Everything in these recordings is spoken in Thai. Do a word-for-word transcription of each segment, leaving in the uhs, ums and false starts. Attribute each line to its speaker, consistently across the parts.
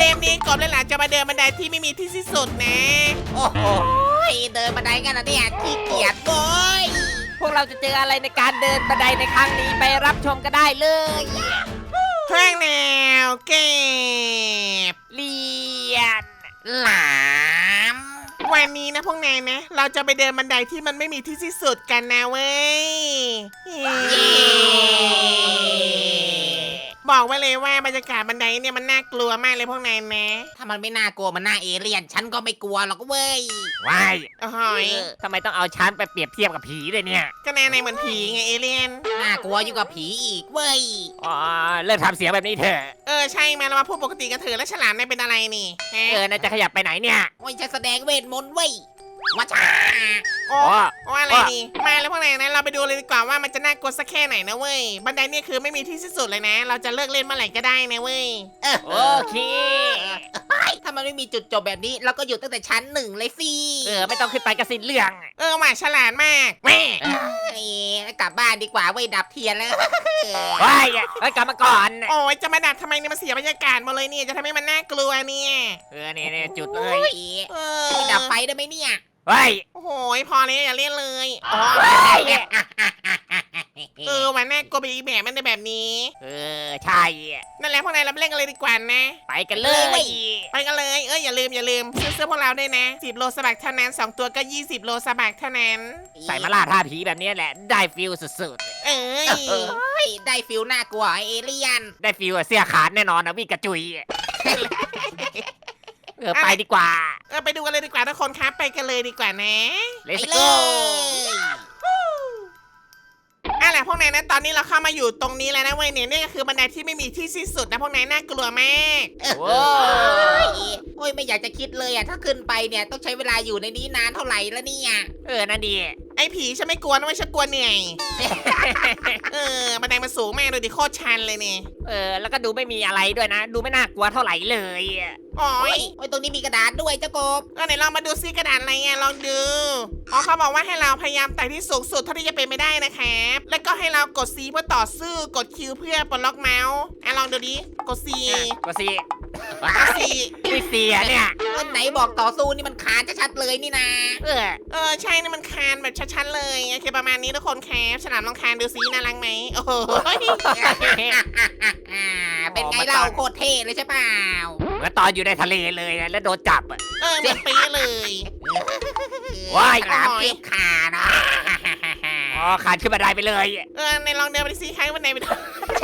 Speaker 1: เลนนี้กบและหลานจะมาเดินบันไดที่ไม่มีที่สิ้นสุดนะ
Speaker 2: โอ้โหเดินบันไดกันนะเนี่ยขี้เกียจโว้ย
Speaker 3: พวกเราจะเจออะไรในการเดินบันไดในครั้งนี้ไปรับชมกันได้เลย
Speaker 1: เครื่องแนวเก็บ
Speaker 3: เรียน
Speaker 2: หลาม
Speaker 1: วันนี้นะพวกนายนะ เราจะไปเดินบันไดที่มันไม่มีที่สิ้นสุดกันนะเว้ยบอกไว้เลยว่าบรรยากาศบันไดเนี่ยมันน่ากลัวมากเลยพวกนายนะ
Speaker 2: ถ้ามันไม่น่ากลัวมันน่าเอเลี่ยนฉันก็ไม่กลัวหรอกเว้ย
Speaker 3: ว้าย
Speaker 1: โอ้โหย
Speaker 3: ทำไมต้องเอาฉันไปเปรียบเทียบกับผีเลยเนี่ย
Speaker 1: ก็แน่ในเหมือนผีไงเอเลี่ยน
Speaker 2: น่ากลัวยิ่งกว่าผีอีกเว้ย
Speaker 3: อ๋อเลิกทำเสียงแบบนี้เถอะ
Speaker 1: เออใช่มาเรามาพูดปกติกันเถอะแล้วฉลามนายเป็นอะไรนี่ฮะ
Speaker 3: เออนายจะขยับไปไหนเนี่ย
Speaker 2: โอ้ยฉันแสดงเวทมนต์เว้ยว่าจ้า
Speaker 1: โอ้
Speaker 3: อ๋อ
Speaker 1: โอ้อะไรนี่มาแล้วพวกนายนะเราไปดูเลยดีกว่าว่ามันจะน่ากลัวสักแค่ไหนนะเว้ยบันไดเนี่ยคือไม่มีที่สิ้นสุดเลยนะ เราจะเลิกเล่นเมื่อไหร่ก็ได้นะเว้ย
Speaker 2: เออ
Speaker 3: โอเค
Speaker 2: เฮ้ยถ้ามันไม่มีจุดจบแบบนี้เราก็อยู่ตั้งแต่ชั้นหนึ่งเลยสิ
Speaker 3: เออไม่ต้องขึ้นไปกระสินเรื่อง
Speaker 1: เออหว่าฉลาดมากแม่
Speaker 2: เอ้ยกลับบ้านดีกว่าเว้ยดับเทียนแล้ว
Speaker 3: ว้ายเฮ้ยกลับมาก่อน
Speaker 1: โอ้ยจะมาดัดทำไมเนี่ยมันเสียบรรยากาศหมดเลยเนี่ยจะทำให้มันน่ากลัวเนี่ย
Speaker 3: เออนี่นี่จุดเล
Speaker 2: เฮ้
Speaker 3: ย
Speaker 2: ย
Speaker 1: เออ
Speaker 2: ดับไฟได้ไหมเนี่ย
Speaker 3: เฮ้ย
Speaker 1: โอ้โหพอเลยอย่าเล่นเลยอ๋อ
Speaker 3: เฮ้ย
Speaker 1: เออวันน่ากลัวไปอีกแบบมันเป็นแบบนี้
Speaker 3: เออใช่
Speaker 1: นั่นแหละพวกนายเราไปเล่นกันเลยดีกว่านะ
Speaker 3: ไปกันเลย
Speaker 1: ไปกันเลยเอออย่าลืมอย่าลืมซื้อเสื้อพวกเราด้วยนะสิบโลสบักเท่านั้นสองตัวก็ยี่สิบโลสบักเท่านั้น
Speaker 3: ใส่มาล่าท่าผีแบบนี้แหละได้ฟิลสุด
Speaker 1: เอ้ย
Speaker 2: เฮ้ยได้ฟิลน่ากลัวไอ้เอเลี่ยน
Speaker 3: ๆได้ฟิลเสื้อขาดแน่นอนนะวิ่งกระจุยเออไปดีกว่า
Speaker 1: เออไปดูกันเลยดีกว่าทุกคนครับไปกันเลยดีกว่านะ
Speaker 3: เลส
Speaker 2: ไปเล
Speaker 3: โก้
Speaker 2: ย
Speaker 1: อ่ะแหละพวกนายนะตอนนี้เราเข้ามาอยู่ตรงนี้แล้วนะเว้ยเนี่ยนี่ก็คือบันไดที่ไม่มีที่สิ้นสุดนะพวกนายน่ากลัวมาก
Speaker 3: โว้
Speaker 2: โอ้ยไม่อยากจะคิดเลยอ่ะถ้าขึ้นไปเนี่ยต้องใช้เวลาอยู่ในนี้นานเท่าไหร่แล้วเนี่ย
Speaker 3: เออนั่นดี
Speaker 1: ไอ้ผีฉันไม่กลัวนะไม่ฉันกลัวเหนื่อยเออบันไดมันสูงมากเลยดิโคตรชันเลยเนี่ย
Speaker 3: เออแล้วก็ดูไม่มีอะไรด้วยนะ ดูไม่น่ากลัวเท่าไหร่เลย
Speaker 1: อ๋อ
Speaker 2: โอ้ยโอ้ยตรงนี้มีกระดาษด้วยเจ้ากบ
Speaker 1: ก็ไหนลองมาดูซิกระดาษอะไรอ่ะลองดูอ๋อเขาบอกว่าให้เราพยายามไต่ที่สูงสุดเท่าที่จะเป็นไปได้นะครับแล้วก็ให้เรากด C เพื่อต่อสู้กด Q เพื่อปลดล็อกเมาส์อ่ะลองดูดิกด C
Speaker 3: อ่ะก็สิ
Speaker 1: กด C
Speaker 3: ไม่เสียเนี่ย
Speaker 2: วันไหนบอกต่อสู้นี่มันขาดชัดๆเลยนี่นะ
Speaker 3: เออ
Speaker 1: เออใช่นี่มันคานแบบชัดๆเลยโอเคประมาณนี้ทุกคนครับฉลามลองคานดูซิน่ารักไหมโอ้โห
Speaker 2: อ่าเป็นไงเล่าโคตรเท่เลยใช่เปล่า
Speaker 3: เหมื่อนตอนอยู่ในทะเลเลยนะแล้วโดนจับอะ
Speaker 1: เออเหมือนปี๊เลย
Speaker 3: ว้าย
Speaker 2: ฉลามเก็บขานะ
Speaker 3: อ๋อขาดขึ้นมาได้ไปเลย
Speaker 1: เออในลองเดินไปซิครั้งวันไหนไปดู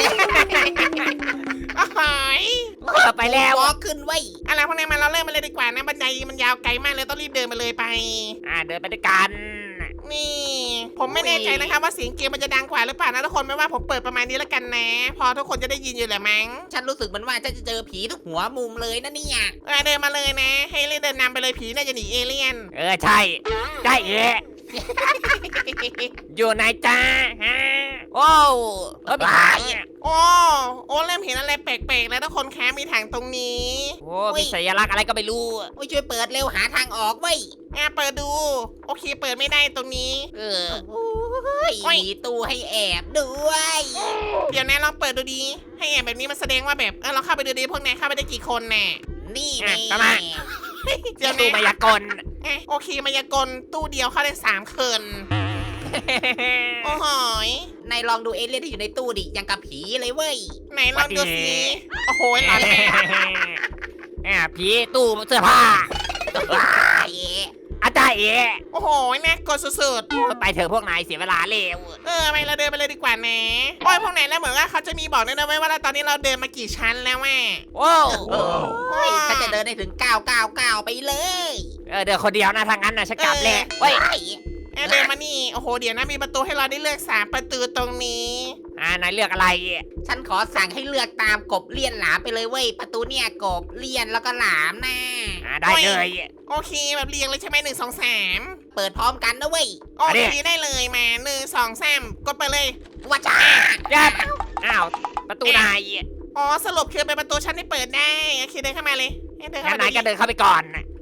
Speaker 1: โอ้ย
Speaker 3: เออไปแล้ว
Speaker 2: วอล์กขึ้นไว้ย
Speaker 1: อะไรพวกนี้มาเราเริ่มมาเลยดีกว่านะบันไดมันยาวไกลมากเลยต้องรีบเดินมาเลยไป
Speaker 3: อ่าเดินไปด้วยกัน
Speaker 1: นี่ ผมไม่แน่ใจนะครับว่าเสียงเกมมันจะดังกว่าหรือเปล่านะทุกคนไม่ว่าผมเปิดประมาณนี้แล้วกันนะ พอทุกคนจะได้ยินอยู่แหละมั้ง
Speaker 2: ฉันรู้สึกเหมือนว่าฉันจะเจอผีทุกหัวมุมเลยนะเนี่ย
Speaker 1: เออเดินมาเลยนะ ให้เล่นเดินนำไปเลยผีน่าจะหนีเอเลี่ยน
Speaker 3: เออใช่ได้เอ๋อยู่ไหนจ้าฮะโอ้เออมีถังอะ
Speaker 1: โอ้โอ้เริ่มเห็นอะไรแปลกๆแล้วทุกคนแคมีถังตรงนี้
Speaker 3: โอ้มีสัญลักษณ์อะไรก็ไม่รู้
Speaker 2: โอ้ยช่วยเปิดเร็วหาทางออกเว้ย
Speaker 1: อ่ะเปิดดู โอเคเปิดไม่ได้ตรงนี้
Speaker 3: เออ
Speaker 2: โอ้ยมีตู้ให้แอบด้วย
Speaker 1: เดี๋ยวนะลองเปิดดูดีให้แอบแบบนี้มันแสดงว่าแบบเออเราเข้าไปดูดีพวกนายเข้าไปได้กี่คนแน่
Speaker 2: นี่
Speaker 3: อ่ะ
Speaker 2: นี่
Speaker 3: ประมาณ
Speaker 1: เดี๋ยว
Speaker 3: ดู
Speaker 1: นะ
Speaker 3: มายากล
Speaker 1: อ่ะโอเคมายากลตู้เดียวเข้าได้สามคนโอ้โหย
Speaker 2: นายลองดูเอเลี่ยนที่อยู่ในตู้ดิยังกับผีเลยเว้ย
Speaker 1: ไหนลองดูสิโอ้โหหลอนแหละ
Speaker 3: อ่าผีตู้เสื้อผ้า
Speaker 2: ว้าย
Speaker 3: อาจารย์เอ๋
Speaker 1: โอ้โหน่ากลัวสุด
Speaker 3: ไปเถอะพวกนายเสียเวลาเร็ว
Speaker 1: ๆเออไปเราเดินไปเลยดีกว่านะโอ้ยพวกนายแล้วเหมือนว่าเขาจะมีบอกด้วยนะเว้ยว่าตอนนี้เราเดินมากี่ชั้นแล้วแม่
Speaker 3: โอ้
Speaker 2: โอ้ยฉันจะเดินได้ถึงเก้าเก้าเก้าไปเลย
Speaker 3: เออเดินคนเดียวนะทางนั้นนะฉันกลับแหละเฮ้ย
Speaker 2: ว้าย
Speaker 1: เออเดินมานี่โอ้โหเดี๋ยวนะมีประตูให้เราได้เลือกสามประตูตรงนี้
Speaker 3: อ่านายเลือกอะไร
Speaker 2: ฉันขอสั่งให้เลือกตามกบเลี่ยนหลามไปเลยเว้ยประตูเนี่ยกบเลี่ยนแล้วก็หลามนะ
Speaker 3: อ่าได้เลย
Speaker 1: โอเคแบบเรียงเลยใช่ไหมหนึ่งสองสาม
Speaker 2: เปิดพร้อมกันนะเว้ย
Speaker 1: โอเคได้เลยมาหนึ่งสองสามกดไปเลย
Speaker 2: ว่าจ้า
Speaker 3: ยับอ้าวประตูนาย
Speaker 1: อ๋อสรุปคือเป็นประตูชั้นที่เปิดได้โอเคเดินเข้ามาเลยเดินเข้า
Speaker 3: งั้น
Speaker 1: มาน
Speaker 3: ายก็
Speaker 1: ดู
Speaker 3: เดินเข้าไปก่อน
Speaker 1: โ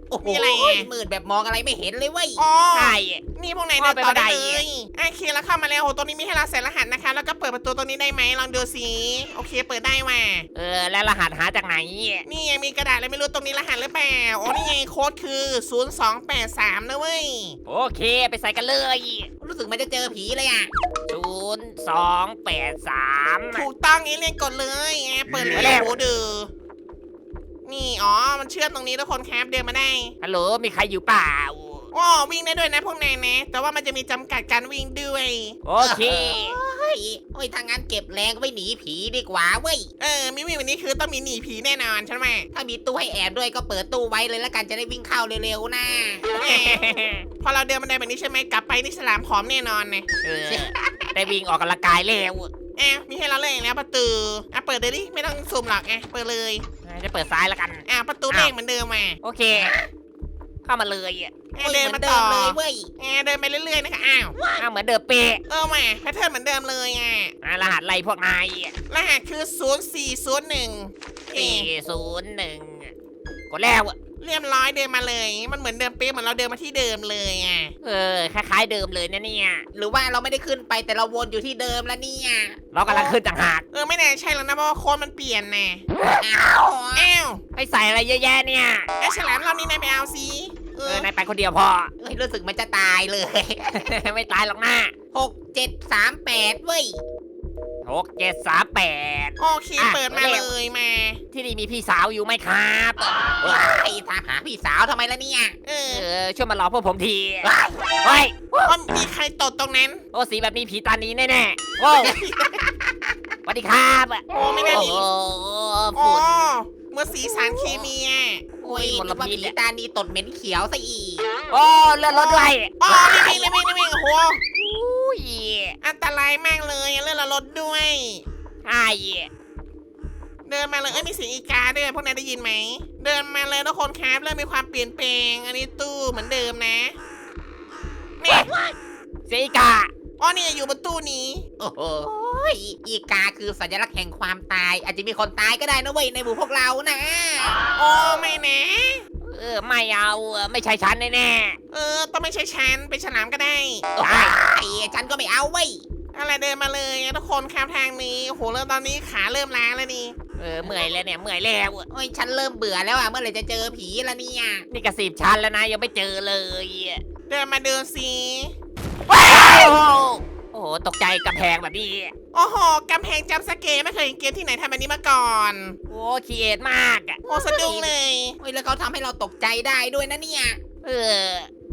Speaker 2: โอ้โห
Speaker 1: มีอะไรอ่ะ
Speaker 2: มืดแบบมองอะไรไม่เห็นเลยเว้ย
Speaker 1: อ๋อ
Speaker 3: ใช่
Speaker 1: นี่พวกนายเดินต่อได้เลยโอเคแล้วเข้ามาแล้วโหตรงนี้มีให้เราใส่รหัสนะคะ แล้วก็เปิดประตูตรงนี้ได้ไหมลองดูสิโอเคเปิดได้ว่ะ
Speaker 3: เออแล้วรหัสหาจากไหน
Speaker 1: นี่ยังมีกระดาษอะไรไม่รู้ตรงนี้รหัสหรือเปล่าโอ้นี่ไงโค้ดคือศูนย์ สอง แปด สามนะเว้ย
Speaker 3: โอเคไปใส่กันเลย
Speaker 2: รู้สึกมันจะเจอผีเลยอ่ะ
Speaker 3: ศูนย์สองแปดสาม
Speaker 1: ถูกต้องเอเลี่ยนกดเลยแอบเปิดเลย
Speaker 3: ไปแล้ว
Speaker 1: โอ้ดือนี่อ๋อมันเชื่อมตรงนี้ทุกคนครับเดินมาได้
Speaker 3: ฮัลโหลมีใครอยู่เปล่า
Speaker 1: โอ้วิ่งได้ด้วยนะพวกนายนะ แต่ว่ามันจะมีจำกัดการวิ่งด้วย
Speaker 3: โอเค
Speaker 2: เฮ้ยโอ้ยทางงั้นเก็บแรงไว้หนีผีดีกว่าเว้ย
Speaker 1: เออมิวี่วันนี้คือต้องมีหนีผีแน่นอนใช่ไหม
Speaker 2: ถ้ามีตู้ให้แอบด้วยก็เปิดตู้ไว้เลยแล้วกันจะได้วิ่งเข้าเร็วๆนะ
Speaker 1: แหมพอเราเดินบันไดแบบนี้ใช่ไหมกลับไปนี่ฉลามผอมแน่นอนเนี่ย
Speaker 3: เออได้วิ่งออกกำลังกายแล้ว
Speaker 1: แอบมีให้เราเลยแล้วประตูอ่ะเปิดเลยดิไม่ต้องซูมหรอกไงเปิดเลย
Speaker 3: จะเปิดซ้ายแล้วกัน
Speaker 1: อ่ะประตูเลขเหมือนเดิมมา
Speaker 3: โอเค เข้ามาเลย
Speaker 1: แอ
Speaker 2: โอ้
Speaker 1: บ
Speaker 2: ย
Speaker 1: เดิน
Speaker 2: เหมือ
Speaker 1: มาน
Speaker 2: เดิ
Speaker 1: ต่อ
Speaker 2: มเลยเว้ย
Speaker 1: แอบเดินไปเรื่อยๆนะคะอ้าว
Speaker 3: อ้าวเหมือนเดิมเป๊ะ
Speaker 1: เออมาแพทเทิร์นเหมือนเดิมเลยอ่ะ
Speaker 3: อ่ะรหัสอะไรพวกนาย
Speaker 1: รหัสคือศูนย์ สี่ ศูนย์ หนึ่งเอ
Speaker 3: สี่ศูนย์หนึ่งกดแล้ว
Speaker 1: เรียบร้อยเดินมาเลย มันเหมือนเดิมเป๊ะเหมือนเราเดินมาที่เดิมเลยอ่ะ
Speaker 3: เออคล้ายๆเดิมเลยนะเนี่ย
Speaker 2: หรือว่าเราไม่ได้ขึ้นไปแต่เราวนอยู่ที่เดิมแล้วเนี่ย
Speaker 3: เรากำลังขึ้นต่างหาก
Speaker 1: เออไม่แน่ใช่แล้วนะเพราะว่าโค้ดมันเปลี่ยนแน่
Speaker 2: อ้าว
Speaker 1: อ้าว
Speaker 3: ไปใส่อะไรเยอะแยะเนี่ย
Speaker 1: ไอ้ฉลามรอบนี้นายไปเอาสิเอ
Speaker 3: เอ
Speaker 1: อ
Speaker 3: อนายไปคนเดียวพอ
Speaker 2: เอ้ยรู้สึกมันจะตายเลย
Speaker 3: ไม่ตายหรอกนะ
Speaker 2: หกเจ็ดสามแปดเว้ย
Speaker 3: หกเจ็ดสามแปด
Speaker 1: โอเคเปิดมาเลยมา
Speaker 3: ที่นี่มีพี่สาวอยู่ไหมครับ
Speaker 2: ว้ายทางหาพี่สาวทำไมล่ะเนี่ย
Speaker 1: เออ
Speaker 3: เออช่วยมารอพวกผมที
Speaker 2: ว้าย
Speaker 3: เฮ้ย
Speaker 1: ว่ามีใครตดตรงนั้น
Speaker 3: โอ้สีแบบนี้ผีตานี้แน่ๆโอ้สวัสดีครับ
Speaker 1: โอ้ไม่น่า
Speaker 3: โอ้
Speaker 1: มี
Speaker 3: โห
Speaker 1: โอ้
Speaker 3: ฝุ่น
Speaker 1: เมื่อสีสารเคมีอ่ะ
Speaker 2: โอ้ย
Speaker 3: มล
Speaker 2: นึกว่า
Speaker 3: พิษ
Speaker 2: ผีตานีตดเหม็นเขียวซะอีก
Speaker 3: โอ้เลือดรถด้วย
Speaker 1: อ๋อรีบวิ่งรีบวิ่งรีบวิ่งโอ้โห
Speaker 3: อุ้ย
Speaker 1: อันตรายมากเลยเลื่อนละรถด้วย
Speaker 3: ใช่
Speaker 1: เดินมาเลยเอ้ยมีเสียงอีกาด้วยพวกนายได้ยินไหมเดินมาเลยทุกคนครับเริ่มมีความเปลี่ยนแปลงอันนี้ตู้เหมือนเดิมนะเนี่ย
Speaker 3: เสียอีกา
Speaker 1: อ๋อเนี่ยอยู่บนตู้นี้
Speaker 2: โอ้โหยอีกาคือสัญลักษณ์แห่งความตาย อาจจะมีคนตายก็ได้นะเว้ยในหมู่พวกเรานะ
Speaker 1: โอ้ไม่นะ
Speaker 3: เออไม่เอาไม่ใช่ฉันแน่
Speaker 1: เออต้องไม่ใช่ฉันเป็นฉลามก็ได้
Speaker 2: โอ้ยฉันก็ไม่เอาเว้ย
Speaker 1: อะไรเดินมาเลยทุกคนข้ามทางนี้โอ้โหเริ่มตอนนี้ขาเริ่มล้าแล้วนี่
Speaker 3: ๆเออเมื่อยแล้วเนี่ยเมื่อยแล้ว
Speaker 2: โอ้ยฉันเริ่มเบื่อแล้วอ่ะเมื่อไหร่จะเจอผีละเนี่ย
Speaker 3: นี่กระสีบชั้นแล้วนะยังไม่เจอเลย
Speaker 1: เดินมาเดินสิ
Speaker 3: โอ้โหโอ้โหตกใจกำแพงแบบนี้
Speaker 1: โอ้โหกำแพงจัมป์สเกร์ไม่เคยเห็นเกมที่ไหนทำแบบนี้มาก่อน
Speaker 3: โอ้คีเอทมากอะ
Speaker 1: โอ้สะดุ้งเลย
Speaker 2: โอ้ยแล้วเขาทำให้เราตกใจได้ด้วยนะเนี่ย
Speaker 3: เออ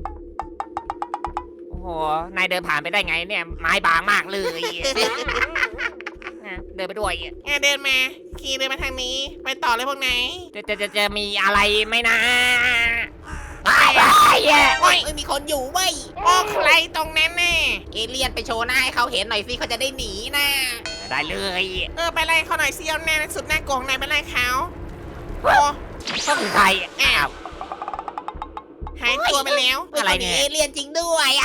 Speaker 3: โอ้โหนายเดินผ่านไปได้ไงเนี่ยไม้บางมากเลยนะเดินไปด้วย
Speaker 1: แอะเดินมาขี่เดินมาทางนี้ ไปต่อเลยพวกไหนาย
Speaker 3: จะจะจะจะมีอะไรไหมนะ
Speaker 2: ไป
Speaker 3: ไอ้เหี้ย
Speaker 2: โอ้ยเอ้ยมีคนอยู่เว้ย
Speaker 1: โอ้ใครตรงนั้นแน่
Speaker 2: เอเลี่ยนไปโชว์หน้าให้เขาเห็นหน่อยสิเขาจะได้หนีนะ
Speaker 3: ได้เลย
Speaker 1: เออไปไล่เขาหน่อยสิเอาแน่สุดหน้าโกงนายไปไล่เขาโอ้
Speaker 3: ก็คือใครอ้าว
Speaker 1: หายตัวไปแล้ว
Speaker 2: ฮ้ย
Speaker 3: อะไรเนี่ย
Speaker 2: ขามีเอเลี่ยนจริงด้วยอ่ะ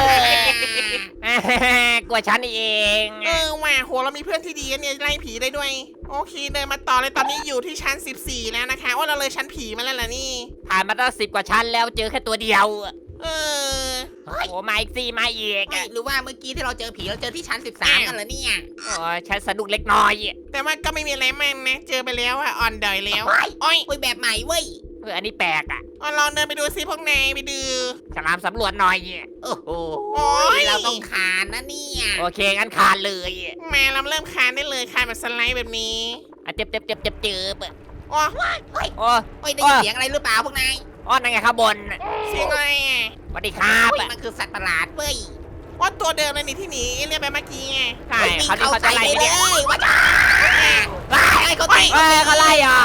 Speaker 3: กลัวฉันเอง
Speaker 1: เออว่ะโหเรามีเพื่อนที่ดีนะเนี่ยไล่ผีได้ด้วย โอเคเดินมาต่อเลยตอนนี้อยู่ที่ชั้นสิบสี่แล้วนะคะว่าเราเลยชั้นผีมาแล้วล่ะนี่
Speaker 3: ผ่านมาตั้งสิบกว่าชั้นแล้วเจอแค่ตัวเดียว
Speaker 1: เออ
Speaker 2: เฮ้ย
Speaker 3: โอ้มาอีกสี่มาอีก
Speaker 2: เฮ้ยหรือว่าเมื่อกี้ที่เราเจอผีเราเจอที่ชั้นสิบสามกันเหรอเนี่ย
Speaker 3: โอ้ฉันสะดุกเล็กน้อย
Speaker 1: แต่ว่าก็ไม่มีอะไรมากนะ เจอไปแล้วอะอ่อนดอยแล้ว
Speaker 2: เฮ้ย
Speaker 1: โอ้ย
Speaker 2: โอ้ยแบบใหม่เว้ย
Speaker 3: เอออันนี้แปลกอ่ะ
Speaker 1: เอาลองเดินไปดูซิพวกนายไปดู
Speaker 3: ฉลามสำรวจหน่อย
Speaker 2: โอ้โห
Speaker 1: โอ้ย
Speaker 2: เราต้องคานนะเนี่ย
Speaker 3: โอเคงั้นคานเลย
Speaker 1: มาเราเริ่มคานได้เลยคานแบบสไลด์แบบนี้
Speaker 3: อ่ะเจ็บเจ็บเจ็บเจ็บเจ็บ
Speaker 1: โอ้
Speaker 2: เฮ้ย
Speaker 3: โอ้
Speaker 2: โอ้ยได้ยินเสียงอะไรหรือเปล่าพวกนาย
Speaker 3: อ้อนั่นไงข้างบน
Speaker 1: เสียงอะไรอะ
Speaker 3: สวัสดีครับ
Speaker 2: โอ้ยมันคือสัตว์ประหลาดเว้ย
Speaker 1: ว่าตัวเดิมเลยนี่ที่หนีเรียกไปเมื่อกี้ไง
Speaker 3: ใช่
Speaker 2: โอ้ยวิ่ง
Speaker 3: เขาที่
Speaker 2: เข้า
Speaker 3: เขาจะ
Speaker 2: ใส่
Speaker 3: ไล่
Speaker 2: ไปเล
Speaker 3: เนี่ย
Speaker 2: ยว่าจ้าไอ้เขาตี
Speaker 3: เอ้ยเขาไล่อ่ะ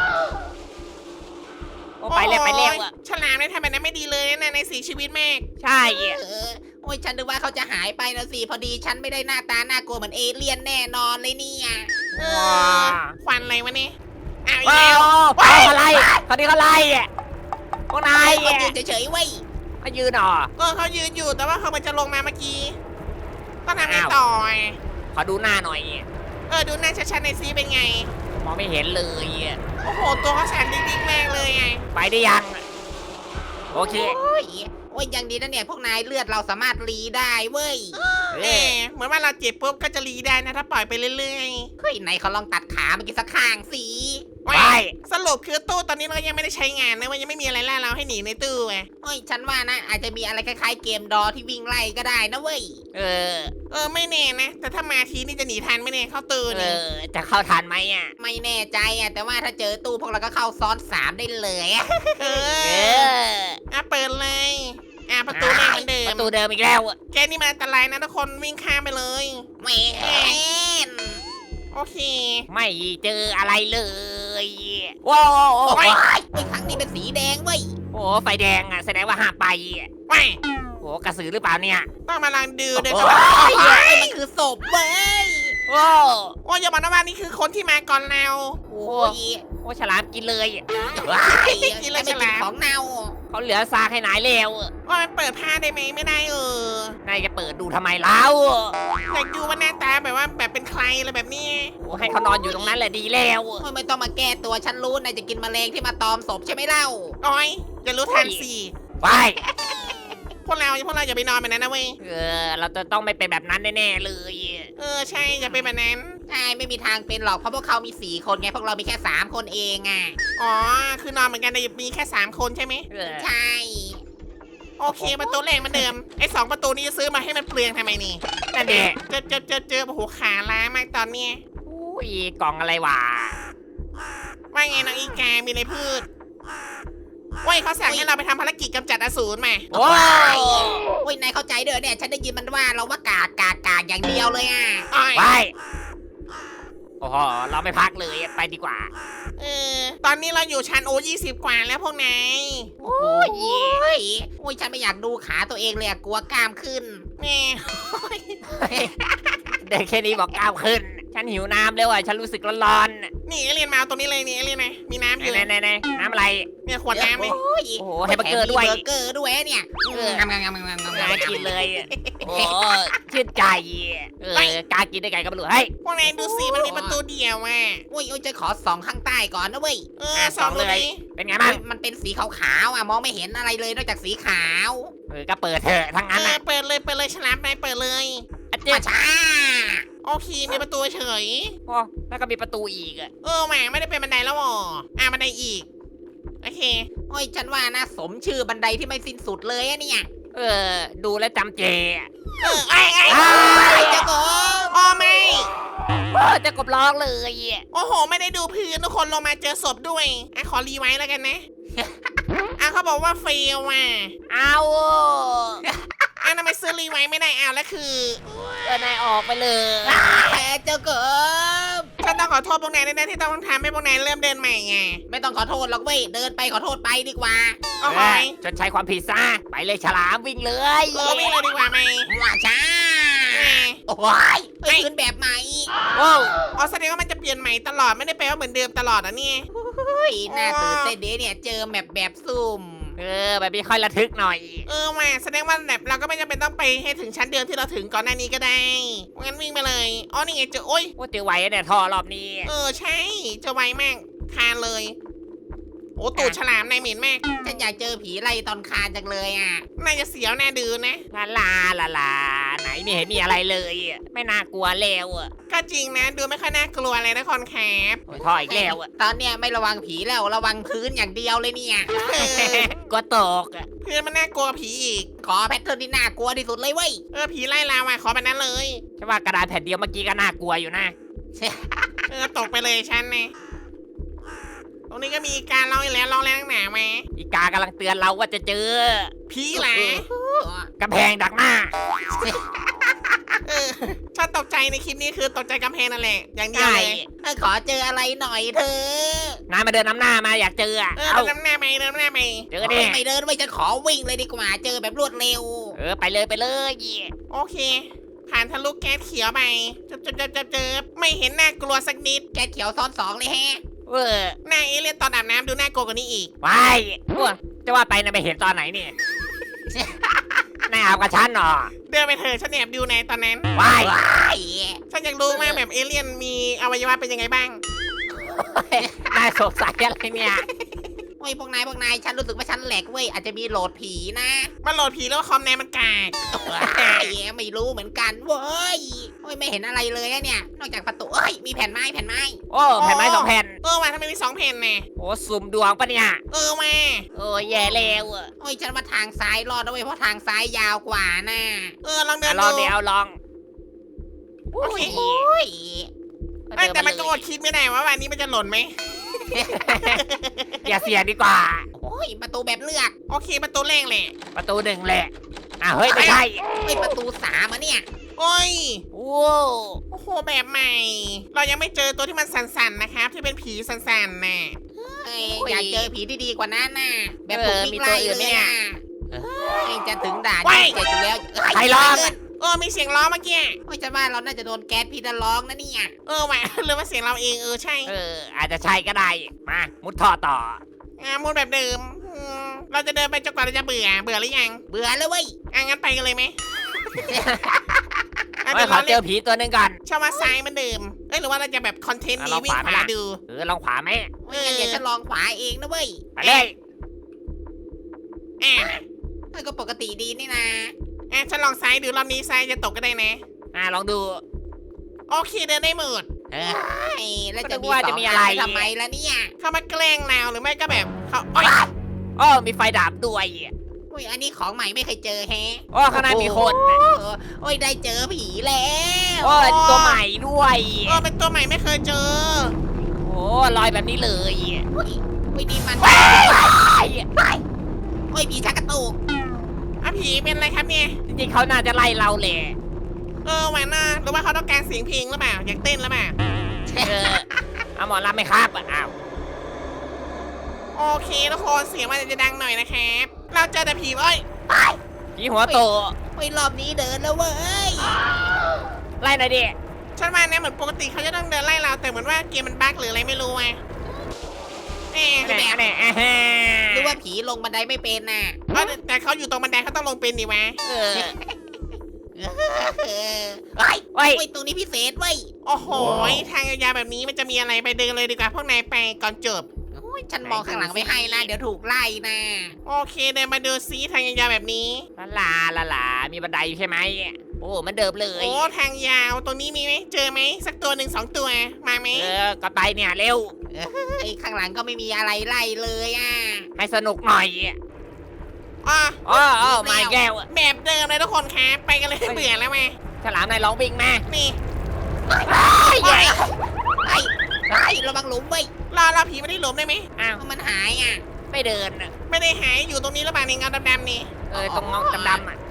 Speaker 3: โอ้ไปเร็วไปเร็วอ่ะ
Speaker 1: โอ้ยฉลามเนี่ยทำแบบนั้นไม่ดีเลยนะในสีชีวิตแม่
Speaker 3: ใช่
Speaker 2: เออโอ้ยฉันนึกว่าเขาจะหายไปนะสิพอดีฉันไม่ได้หน้าตาน่ากลัวเหมือนเอเลี่ยนแน่นอนเลยเนี่ย
Speaker 1: เออควันอะไรวะเนี่ยอ้าวอีก
Speaker 3: ว้า
Speaker 1: แล้ว
Speaker 3: วเขาไล่เขาที่เขาไล่อ่ะพวกนาย
Speaker 2: เขายืนเฉยๆเว้ย
Speaker 3: มายืนหรอ
Speaker 1: เออเขายืนอยู่แต่ว่าเขามันจะลงมาเมื่อกี้ต้องทำไงต่ออะ
Speaker 3: ขอดูหน้าหน่อย
Speaker 1: เออดูหน้าชัดๆในอยซีเป็นไง
Speaker 3: มองไม่เห็นเลยอ่ะ
Speaker 1: โอ้โหตัวเขาแสนดิ้งๆมากเลยไง
Speaker 3: ไปได้ยัง
Speaker 1: โ
Speaker 3: โอเค
Speaker 2: โอ้ยโอ้ยยังดีนะเนี่ยพวกนายเลือดเราสามารถรีได้เว้ย
Speaker 3: เอ
Speaker 1: เอ
Speaker 3: อ
Speaker 1: อเหมือนว่าเราเจ็บปุ๊บก็จะรีได้นะถ้าปล่อยไปเรื่อย
Speaker 2: เฮ้ยไหนเขาลองตัดขาเมื่อกี้สักข้างสิ
Speaker 1: ๆ
Speaker 3: ไป
Speaker 1: ว้ายสรุปคือตู้ตอนนี้เรายังไม่ได้ใช้งานนะว่ายังไม่มีอะไรล่าเราให้หนีในตู้ไง
Speaker 2: โอ้ยฉันว่านะอาจจะมีอะไรคล้ายๆเกมดอที่วิ่งไล่ก็ได้นะเว้ย
Speaker 3: เออ
Speaker 1: เออไม่แน่นะ แต่ถ้ามาทีนี่จะหนีทันไหม่แน่เข้าตู้
Speaker 3: เอ
Speaker 1: นี่
Speaker 3: อ จะเข้าทันไหมอ่ะ
Speaker 2: ไม่แน่ใจอ่ะแต่ว่าถ้าเจอตู้พวกเราก็เข้าซ้อนสามได้เลยอะ
Speaker 1: เอ
Speaker 3: เอ
Speaker 1: อ
Speaker 3: อ
Speaker 1: อ่ะเปิดเลยอ่ะประตูแม่งเหมือนเดิ
Speaker 3: ป
Speaker 1: ม
Speaker 3: ระตูเดิมอีกแล้วอะ
Speaker 1: แกนี่มันอันตรายนะทุกคนวิ่งข้ามไปเลย
Speaker 2: แม่น
Speaker 1: โอเค
Speaker 3: ไม่เจออะไรเลยว้าว
Speaker 2: โอ้
Speaker 3: โอ้
Speaker 2: ย
Speaker 3: ย
Speaker 2: ไอ้ครั้งนี้เป็นสีแดงเว้ย
Speaker 3: โอ้ไฟแดงอ่ะแสดงว่าห้ามไปอะ
Speaker 1: ว้าย
Speaker 3: โอ้กระสือหรือเปล่าเนี่ย
Speaker 1: ต้องมาลองดูเดิน
Speaker 3: โอ้
Speaker 1: เข้ามา
Speaker 2: ไอ้ยมันคือศพเว้ย
Speaker 3: โอ้
Speaker 1: โอ้ยอย่าบอกนะว่านี่คือคนที่มาก่อนเรา
Speaker 2: โอ้ย
Speaker 3: โอ้ฉลามกินเลยอะ
Speaker 2: ไอ้
Speaker 1: กินเลย
Speaker 2: ไม่
Speaker 1: ฉ
Speaker 2: กิน
Speaker 1: ลาม
Speaker 2: ของเน่า
Speaker 3: เขาเหลือซากให้นายแล้วอะ
Speaker 1: ว่ามันเปิดผ้าได้ไหมไม่ได้เออน
Speaker 3: ายจะเปิดดูทำไมเล่า
Speaker 1: อยากดูว่าหน้าตาแบบว่าแบบเป็นใครอะไรแบบนี้
Speaker 3: โอ้ให้เขานอนอยู่ตรงนั้นแหละดีแล้วอะ
Speaker 2: โอ้ยไม่ต้องมาแก้ตัวฉันรู้นายจะกินแมลงที่มาตอมศพใช่ไหมเล่า
Speaker 1: โอ้ยอย่ารู้ทันสิ
Speaker 3: ไป
Speaker 1: พวกเราพวกเราอย่าไปนอนแบบนั้นนะเว้ย
Speaker 3: เออ เราจะต้องไม่เป็นแบบนั้นแน่ๆเลย
Speaker 1: เออใช่อย่าเป็นแบบนั้น
Speaker 2: ใช่ไม่มีทางเป็นหรอกเพราะพวกเขามีสี่คนไงพวกเรามีแค่สามคนเองอ่ะ
Speaker 1: อ๋อคือนอนเหมือนกันแต่มีแค่สามคนใช่ไหม
Speaker 3: เออ
Speaker 2: ใช่
Speaker 1: โอเคประตูแรกเหมือนเดิมไอ้สองประตูนี้จะซื้อมาให้มันเปลืองทำไมนี่
Speaker 3: นั่นเด็ก
Speaker 1: เจอเจอเจอเจอโอ้โหขาล้ามากตอนเนี้ย
Speaker 3: อุ้ยกล่องอะไรวะ
Speaker 1: ว่าไงน้องอีกามีอะไรพืชเว้ยเขาสั่งให้เราไปทำภารกิจกำจัดอสูรมา
Speaker 3: โอ้ย
Speaker 2: โอ้ยนายเข้าใจเด้อเนี่ยฉันได้ยินมันว่าเราว่ากากกากกากอย่างเดียวเลยอ่ะ
Speaker 1: อ้อย
Speaker 3: ไปโอ้โหเราไม่พักเลยไปดีกว่า
Speaker 1: เออตอนนี้เราอยู่ชั้นโอยี่สิบกว่าแล้วพวกนาย
Speaker 2: โอ้ยโอ้ยฉันไม่อยากดูขาตัวเองเลยอะกลัวกล้ามขึ้น
Speaker 1: แม่
Speaker 3: เด็กแค่นี้บอกก้าวขึ้น ฉันหิวน้ำแล้วอ่ะฉันรู้สึกร้อนๆน่ะ
Speaker 1: นี่เอเลียนมาเอาตรงนี้เลยนี่เอเลียนนะมีน้ำอยู่
Speaker 3: ไหนไหนๆๆน้ำอะไร
Speaker 1: เนี่ยขวดน้ำเลย
Speaker 2: โอ้ย
Speaker 3: โอ้โหให้เบอร์เกอร์ด้วย
Speaker 2: แถมมีเบอร์เกอร์ด้วยเนี่ย
Speaker 3: เออ
Speaker 2: งามงามงามงามงามงาม
Speaker 3: น่ากินเลยอะโอ้ชื่นใจเออกล้ากินได้ไงก็ไม่รู้เฮ้ย
Speaker 1: พวกนายดูสิมันมีประตูเดียวอ่ะ
Speaker 2: โอ้ยโอ้ยจะขอส่องข้างใต้ก่อนนะเว้ย
Speaker 1: เออสองเลย
Speaker 3: เป็นไงบ้าง
Speaker 2: มันเป็นสีขาวๆอ่ะมองไม่เห็นอะไรเลยนอกจากสีขาว
Speaker 3: เออก็เปิดเถอะทั้ง
Speaker 1: เอ
Speaker 3: นั้น
Speaker 1: อ
Speaker 3: น่ะ
Speaker 1: เปิดเลยเปิดเลยฉลามนายเปิดเลย
Speaker 3: อะเจ๊
Speaker 2: มาช้า
Speaker 1: โอเคมีประตูเฉย
Speaker 3: โอ้แล้วก็มีประตูอีกอ่ะ
Speaker 1: เออแหมไม่ได้เป็นบันไดแล้วอ๋ออ่ะบันไดอีกโอเค
Speaker 2: โอ้ยฉันว่านะสมชื่อบันไดที่ไม่สิ้นสุดเลยอะเนี่ย
Speaker 3: เออ ดูแลวจำเจอะ
Speaker 1: เออไอ้ไอ้
Speaker 3: อ้า
Speaker 2: ไอ้
Speaker 3: ย
Speaker 2: เจ้าโก
Speaker 1: อ๋อไม่
Speaker 3: โอ้จะกบร้องเลยอะ
Speaker 1: โอ้โห ไม่ได้ดูพื้นทุกคนลงมาเจอศพด้วยอ่ะขอรีไว้แล้วกันนะ อ่ะเขาบอกว่าเฟลว่ะ
Speaker 3: เอา
Speaker 1: อ่ะทำไมซื้อรีไว้ไม่ได้เอาแล้วคือ
Speaker 3: เออนายออกไปเลย
Speaker 2: แพ้เจ้าโก
Speaker 1: ฉันต้องขอโทษพวกนายด้วยนะที่ต้องทำให้พวกนายเริ่มเดินใหม่ไง
Speaker 2: ไม่ต้องขอโทษหรอกเว้ยเดินไปขอโทษไปดีกว่า
Speaker 1: โอ้โห
Speaker 3: เอ้ยจนใช้ความผิดซะไปเลยฉลามวิ่งเลย
Speaker 1: เออวิ่งเลยดีกว่าไหม
Speaker 2: ว่าช้า
Speaker 1: แหม
Speaker 2: โอ้ยเอ้ยขึ้นแบบใหม่
Speaker 3: โอ้
Speaker 1: อ๋อแสดงว่ามันจะเปลี่ยนใหม่ตลอดไม่ได้แปลว่าเหมือนเดิมตลอดอ่ะเนี่ย
Speaker 2: เฮ้ยน่าตื่นเต้นดีเนี่ยเจอแมปแบบซุ่ม
Speaker 3: เออแบบนี้ค่อยระทึกหน่อย
Speaker 1: เออมาแสดงว่าแบบเราก็ไม่จำเป็นต้องไปให้ถึงชั้นเดิมที่เราถึงก่อนหน้านี้ก็ได้งั้นวิ่งไปเลยอ๋อนี่ไงเจอโอ้ย
Speaker 3: โอ้เจอไว้เนี่ยท่อรอบนี้
Speaker 1: เออใช่เจอไวมากคานเลย โอ้ตูดฉลามนายเหม็นมาก
Speaker 2: ฉันอยากเจอผีไล่ตอนคานจังเลยอ่ะ
Speaker 1: น่าจะเสียวน่าดื้อนะ
Speaker 3: ลาลาลาลาไหนไม่เห็นมีอะไรเลยอะไม่น่ากลัวแล้วอะ
Speaker 1: ก็จริงนะดูไม่ค่อยน่ากลัวเลยนะคอนแคป
Speaker 3: โอ้ยท่ออีกแล้วอะ
Speaker 2: ตอนเนี้ยไม่ระวังผีแล้วระวังพื้นอย่างเดียวเลยเนี่ย
Speaker 1: เออ
Speaker 3: ก็ตกอะ
Speaker 1: เพื่อนมันน่ากลัวกว่าผีอีก
Speaker 2: ขอแพทเทิร์นที่น่ากลัวที่สุดเลยเว้ย
Speaker 1: เออผีไล่ลาวอ่ะขอแบบนั้นเลย
Speaker 3: ใช่ว่ากระดาษแผ่นเดียวเมื่อกี้ก็น่ากลัวอยู่นะ
Speaker 1: เออตกไปเลยฉันนะตรงนี้ก็มีการร้องอีกแล้วร้องแรงหนาไหม
Speaker 3: อีกากำลังเตือนเราว่าจะเจอ
Speaker 1: ผีหลาก
Speaker 3: ำแพงดักหน้า
Speaker 1: เออฉันตกใจในคลิปนี้คือตกใจกำแพงนั่นแหละอย่างเดียว
Speaker 3: ใช่
Speaker 1: เลย
Speaker 2: เออขอเจออะไรหน่อยเธอะ
Speaker 3: นายมาเดินน้ำหน้ามาอยากเจออะ
Speaker 1: เออ
Speaker 3: เอา
Speaker 1: เดินน้ำหน้าไปเดินน้ำหน้าไป
Speaker 3: เจอดิ
Speaker 2: ไม่เดินไว้ยฉันขอวิ่งเลยดีกว่าเจอแบบรวดเร็ว
Speaker 3: เออไปเลยไปเลย
Speaker 1: โอเค ผ่านทะลุแก๊สเขียวไปเจบเจบเจบเจบเจบไม่เห็นน่ากลัวสักนิด
Speaker 2: แกเขียวซ้อนสองเลยแฮะ
Speaker 3: เออ
Speaker 1: หน้าเอเลี่ยนตอนอาบน้ำดูน่ากลัวกว่านี้อีก
Speaker 3: ไปอ้วจะว่าไปนะไปเห็นตอนไหนเนี่ยนายอาบกับฉันเหรอ
Speaker 1: เดินไปเถอะฉันแอบดูในตอนนั้น
Speaker 3: ไป
Speaker 2: ว้าย
Speaker 1: ฉันอยากรู้มากแบบเอเลี่ยนมีอวัยวะเป็นยังไงบ้าง
Speaker 3: นายสงสัยอะไรเนี่ย
Speaker 2: โอ้อ้ยพวกนายพวกนายฉันรู้สึกว่าฉันแหลกเว้ยอาจจะมีโหลดผีนะ
Speaker 1: มันโหลดผีแล้วว่าคอมแนนมันกาก
Speaker 2: ว้ายไม่รู้เหมือนกันเว้ยโอ้ยไม่เห็นอะไรเลยอะเนี่ยนอกจากประตูเอ้ยมีแผ่นไม้แผ่นไม้
Speaker 3: โอ้แผ่นไม้สองแผ่น
Speaker 1: เออว่ะทำไมมีสองแผ่นน่ะ
Speaker 3: โอ้สุ่มดวงปะเนี่ย
Speaker 1: เออว่ะ
Speaker 3: โอ้แย่แล้วอะ
Speaker 2: โอ้ยฉันว่าทางซ้ายรอดนะเว้ยเพราะทางซ้ายยาวกว่าน่ะ
Speaker 1: เออลองเดิ
Speaker 3: อ่ะ
Speaker 1: น
Speaker 3: ลอง
Speaker 1: ดู
Speaker 3: เดี๋ยวลอง
Speaker 1: โอเค
Speaker 2: โอ้ย
Speaker 1: เอ้ยแต่มันก็อดคิดไม่ได้ว่าวันนี้มันจะหล่นไหม
Speaker 3: อย่าเสี่ยงดีกว่า
Speaker 2: โอ้ยประตูแบบเลือก
Speaker 1: โอเคประตูแรกแหละ
Speaker 3: ประตูหนึ่งแหละอ่ะเฮ้ยไม่ใช่
Speaker 2: เฮ้ยประตูสามอะเนี่ย
Speaker 1: โอ้ย
Speaker 3: โอ้
Speaker 1: โอ้โหแบบใหม่ เรายังไม่เจอตัวที่มันสั่นๆนะครับ ที่เป็นผีสั่นๆน่ะ
Speaker 2: เอ้ยอยากเจอผีที่ดีกว่านั้นน่ะแบบ
Speaker 3: เอ
Speaker 2: ถูก
Speaker 3: อ
Speaker 2: วิ่
Speaker 3: มี
Speaker 2: ง
Speaker 3: ตัว
Speaker 2: ไล่
Speaker 3: อื่นไหม
Speaker 2: เลย
Speaker 3: เนี่ย
Speaker 2: อ่ะเอ้ยจะถึงด่านที่เจ็ดอยู่แล้วเอ้ย
Speaker 3: ใครร้อง
Speaker 1: เออมีเสียงล้อเมื่อกี้
Speaker 2: โอ้ยฉันว่าเราน่าจะโดนแก๊สพิษร้องนะเนี่ย
Speaker 1: เออว่ะ หรือว่าเสียงเราเองเออใช่
Speaker 3: เอออาจจะใช่ก็ได้มามุดท่อต่อ
Speaker 1: อ่ามูดแบบเดิมอืมเราจะเดินไปจนกว่าเราจะเบื่อเบื่อหรือยัง
Speaker 2: เบื่อแล้วเว้ย
Speaker 1: อ่ะงั้นไปกันเลยไหมอ่ะ
Speaker 3: เฮ้
Speaker 1: เดี๋
Speaker 3: ย
Speaker 1: ยว
Speaker 3: ขอ
Speaker 1: เรา
Speaker 3: เจ
Speaker 1: เล่น
Speaker 3: อผีตัวหนึงก่อน
Speaker 1: ชาวมาซ้ายเหมือนเดิมเอ้ยหรือว่าเราจะแบบคอนเทนต์
Speaker 3: อ่ะ
Speaker 1: นี้
Speaker 3: ลอง
Speaker 1: วิ่ง
Speaker 3: ขวา
Speaker 1: ขวา
Speaker 3: ไหมล่ะ
Speaker 1: ดู
Speaker 3: เออลองขวาไหม
Speaker 2: โอ้ยงั้นเดี๋ยวฉันลองขวาเองนะเว้ย
Speaker 3: ไปเลย
Speaker 1: อ่ะ
Speaker 2: เอ้ยก็ปกติดีนี่นะ
Speaker 1: อ่ะฉันลองซ้ายดูรอบนี้ซ้ายจะตกก็ได้นะ
Speaker 3: อ่ะลองดู
Speaker 1: โอเคเดินได้หมด
Speaker 3: เออ
Speaker 2: เอ้ยแล้ว
Speaker 3: ก็
Speaker 2: จะ
Speaker 3: นึก
Speaker 2: มี
Speaker 3: ว่า
Speaker 2: สอ
Speaker 3: จะ
Speaker 2: ง
Speaker 3: มี
Speaker 2: อั
Speaker 3: อะ
Speaker 2: น
Speaker 3: ไร
Speaker 2: ไปทำไมล่ะเนี่ย
Speaker 1: เข้ามาแกล้งเราหรือไม่ก็แบบเขาโอ๊ย
Speaker 3: โอ้มีไฟดับด้วย
Speaker 2: โอ้ยอันนี้ของใหม่ไม่เคยเจอแฮะ
Speaker 3: โอ้ข้างในมีคน
Speaker 2: เออโอ้ยได้เจอผีแล้ว
Speaker 3: โอ้ตัวใหม่ด้วย
Speaker 1: เออเป็นตัวใหม่ไม่เคยเจอ
Speaker 3: โอ้ลอยแบบนี้เลย
Speaker 2: โอ้ยโอ้ยนี่มัน
Speaker 3: ไป
Speaker 2: โอ้ยผีชักกระตุก
Speaker 1: อ่ะผีเป็นอะไรครับเนี่ย
Speaker 3: จริงๆเขาน่าจะไล่เราแหละ
Speaker 1: เออแหวนน่ะหรือว่าเขาต้องการเสียงเพลงหรือเปล่าอยากเต้นหรือเปล่า
Speaker 3: เออเอาหมอรับไหมครับอ้าว
Speaker 1: โอเคทุกคนเสียงมันจะดังหน่อยนะครับ เราเจอแต่ผีเอ้ย
Speaker 3: ผีหัวโต
Speaker 2: โอ้ยรอบนี้เดินแล้วเว้ย
Speaker 3: ไล่หน่อยดิ
Speaker 1: ฉันว่าเนี่ยเหมือนปกติเขาจะต้องเดินไล่เราแต่เหมือนว่าเกมมันบั๊กหรืออะไรไม่รู้ไงเอ๊ะ
Speaker 3: แหน่แหน่อ่าฮะ
Speaker 2: หรือว่าผีลงบันไดไม่เป็นน่ะ
Speaker 1: เอ้ยแต่เขาอยู่ตรงบันไดเขาต้องลงเป็นดิวะ
Speaker 3: เออ
Speaker 2: เออเฮ้ย
Speaker 3: เฮ้ย
Speaker 2: โอ้ยตรงนี้พิเศษเว้ย
Speaker 1: โอ้โหทางยาวๆแบบนี้มันจะมีอะไรไปเดินเลยดีกว่าพวกนายไปก่อนจบ
Speaker 2: โอ้ยฉันมองข้างหลังไม่ให้นะเดี๋ยวถูกไล่นะ
Speaker 1: โอเคเดินมาดูซิทางยาวๆแบบนี้
Speaker 3: ลาลาลาลามีบันไดอยู่ใช่ไหมโอ้มันเดิมเลย
Speaker 1: โอ้ทางยาวตรงนี้มีไหมเจอไหมสักตัวหนึ่งสองตัวมาไหม
Speaker 3: เออก็ไปเนี่ยเร็ว
Speaker 2: ไอ้ข้างหลังก็ไม่มีอะไรไล่เลยอ่ะ
Speaker 3: ให้สนุกหน่อย
Speaker 1: อ๋อ
Speaker 3: อ๋ออ๋อมาแก้ว
Speaker 1: แบบเดิมเลยทุกคนครับไปกันเลยเบื่อแล้วไหม
Speaker 3: ฉลามนายร้องวิ่งมา
Speaker 1: นี่
Speaker 2: ไอ้ไอ้ไอ้ระวังหลุมเว้ย
Speaker 1: รอรอผีไม่ได้หลบได้ไหม
Speaker 3: อ้าว
Speaker 2: มันหายอ่ะ
Speaker 3: ไม่เดิน
Speaker 1: ไม่ได้หายอยู่ตรงนี้หรือเปล่าในเงาดำๆนี่
Speaker 3: เออตรงงอกดำๆอ่ะ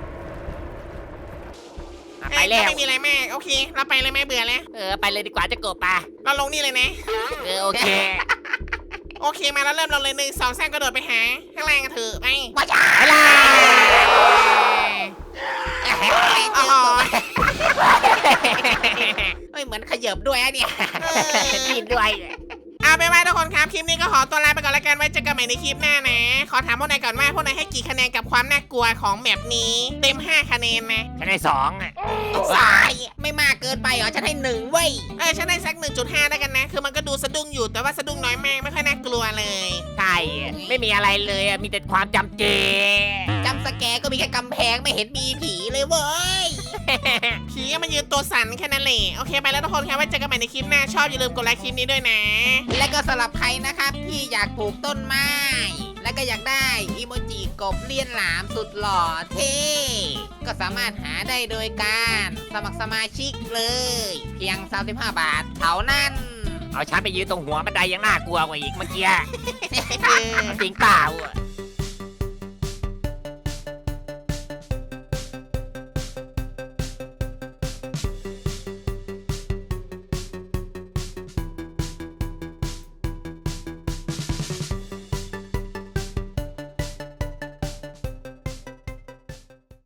Speaker 3: อ่ะไป
Speaker 1: เอ้ย
Speaker 3: แล้ว
Speaker 1: ก็ไม่มีอะไรมากโอเค เราไปเลยไหมเบื่อแล้ว
Speaker 3: เออไปเลยดีกว่าจะกบปะ
Speaker 1: เราลงนี่เลยนะ
Speaker 3: เออโอเค
Speaker 1: โอเคมาแล้วเริ่มเราเลยหนึ่งสองสามกระโดดไปหาข้างล่างกันเถอะไป
Speaker 2: ว่าจ้า
Speaker 3: ไปเลย
Speaker 1: อ๋อ
Speaker 2: เฮ้ยเหมือนขยับด้วยอะเนี่ย
Speaker 1: เออ
Speaker 3: ดินด้วย
Speaker 1: เอาไปนว่าทุกคนครับคลิปนี้ก็ขอตัวลาไปก่อนแล้วกันไว้เจอกันใหม่ในคลิปหน้านะ ขอถามพวกนายก่อนว่าพวกนายให้กี่คะแนนกับความน่ากลัวของแมปนี้ เต็มห้าคะแนนนะ
Speaker 3: ฉันได้สองอ่ะ
Speaker 2: สายไม่มากเกินไปเหรอฉันให้หนึ่งเว้ย
Speaker 1: เออฉันได้สัก หนึ่งจุดห้าได้กันนะ คือมันก็ดูสะดุ้งอยู่แต่ว่าสะดุ้งน้อยมากไม่ค่อยน่ากลัวเลย
Speaker 3: ใช่ไม่มีอะไรเลยอะมีแต่ความจำเจ
Speaker 2: จำสแกร์ก็มีแค่กำแพงไม่เห็นมีผีเลยเว้ย
Speaker 1: ผีก็มายืนตัวสั่นแค่นั้นแหละโอเคไปแล้วทุกคนครับไว้เจอกันใหม่ในคลิปหน้าชอบอย่าลืมกดไลค์คลิปนี้ด้วยนะ
Speaker 2: และก็สำหรับใครนะครับที่อยากปลูกต้นไม้ และก็อยากได้อีโมจิกบเลียนหลามสุดหล่อเท่ก็สามารถหาได้โดยการสมัครสมาชิกเลย เพียงสามสิบห้าบาทเท่านั้น
Speaker 3: เอาฉันไปยืนตรงหัวบันไดยังน่ากลัวกว่าอีกเมื่อกี้จริงเปล่าอะ